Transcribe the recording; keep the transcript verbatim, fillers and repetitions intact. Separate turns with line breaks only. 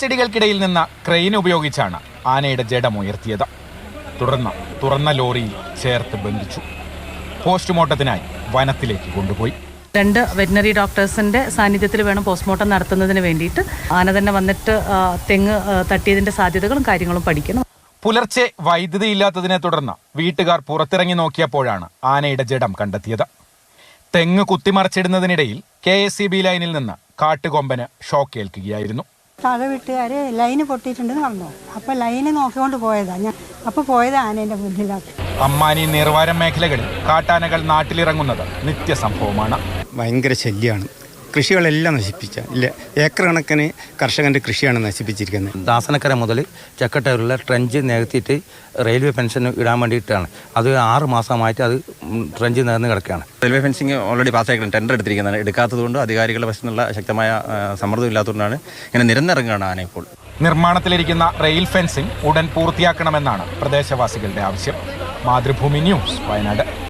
മരച്ചെടികൾക്കിടയിൽ നിന്ന് ക്രെയിൻ ഉപയോഗിച്ചാണ് ആനയുടെ ജഡമുയർത്തിയത്. തുടർന്ന് തുറന്ന ലോറിയിൽ ചേർത്ത് ബന്ധിച്ചു പോസ്റ്റ്മോർട്ടത്തിനായി വനത്തിലേക്ക് കൊണ്ടുപോയി.
രണ്ട് വെറ്റിനറി ഡോക്ടേഴ്സിന്റെ സാന്നിധ്യത്തിൽ വേണം പോസ്റ്റ്മോർട്ടം നടത്തുന്നതിന് വേണ്ടിയിട്ട്. ആന തന്നെ വന്നിട്ട് തെങ്ങ് തട്ടിയതിന്റെ സാധ്യതകളും കാര്യങ്ങളും പഠിക്കണം.
പുലർച്ചെ വൈദ്യുതി ഇല്ലാത്തതിനെ തുടർന്ന് വീട്ടുകാർ പുറത്തിറങ്ങി നോക്കിയപ്പോഴാണ് ആനയുടെ ജഡം കണ്ടെത്തിയത്. തെങ്ങ് കുത്തിമറിച്ചിടുന്നതിനിടയിൽ കെ എസ് ഇ ബി ലൈനിൽ നിന്ന് കാട്ടുകൊമ്പന് ഷോക്ക് ഏൽക്കുകയായിരുന്നു.
താഴെ വീട്ടുകാര് ലൈന് പൊട്ടിയിട്ടുണ്ടെന്ന് പറഞ്ഞു. അപ്പൊ ലൈന് നോക്കിക്കൊണ്ട് പോയതാ ഞാൻ. അപ്പൊ പോയത് ആനേന്റെ മുന്നിലാണ്.
അമ്മാനി നീർവാരം മേഖലകളിൽ കാട്ടാനകൾ നാട്ടിലിറങ്ങുന്നത് നിത്യസംഭവമാണ്.
ഭയങ്കര ശല്യമാണ്. കൃഷികളെല്ലാം നശിപ്പിച്ച ഇല്ല ഏക്കർ കണക്കിന് കർഷകന്റെ കൃഷിയാണ് നശിപ്പിച്ചിരിക്കുന്നത്.
ദാസനക്കര മുതൽ ചക്കട്ടൂരിലെ ട്രെഞ്ച് നികത്തിയിട്ട് റെയിൽവേ പെൻഷൻ ഇടാൻ വേണ്ടിയിട്ടാണ്. അത് ആറ് മാസമായിട്ട് അത് ട്രെഞ്ച് നികന്ന് കിടക്കുകയാണ്.
റെയിൽവേ ഫെൻസിങ് ഓൾറെഡി പാസ്സായിട്ട് ടെൻഡർ എടുത്തിരിക്കുന്നതാണ്. എടുക്കാത്തതുകൊണ്ട് അധികാരികളുടെ വശത്തുനിന്നുള്ള ശക്തമായ സമ്മർദ്ദം ഇല്ലാത്തതുകൊണ്ടാണ് ഇങ്ങനെ നിരന്നിറങ്ങുകയാണ് ആന ഇപ്പോൾ.
നിർമ്മാണത്തിലിരിക്കുന്ന റെയിൽ ഫെൻസിംഗ് ഉടൻ പൂർത്തിയാക്കണമെന്നാണ് പ്രദേശവാസികളുടെ ആവശ്യം. മാതൃഭൂമി ന്യൂസ്, വയനാട്.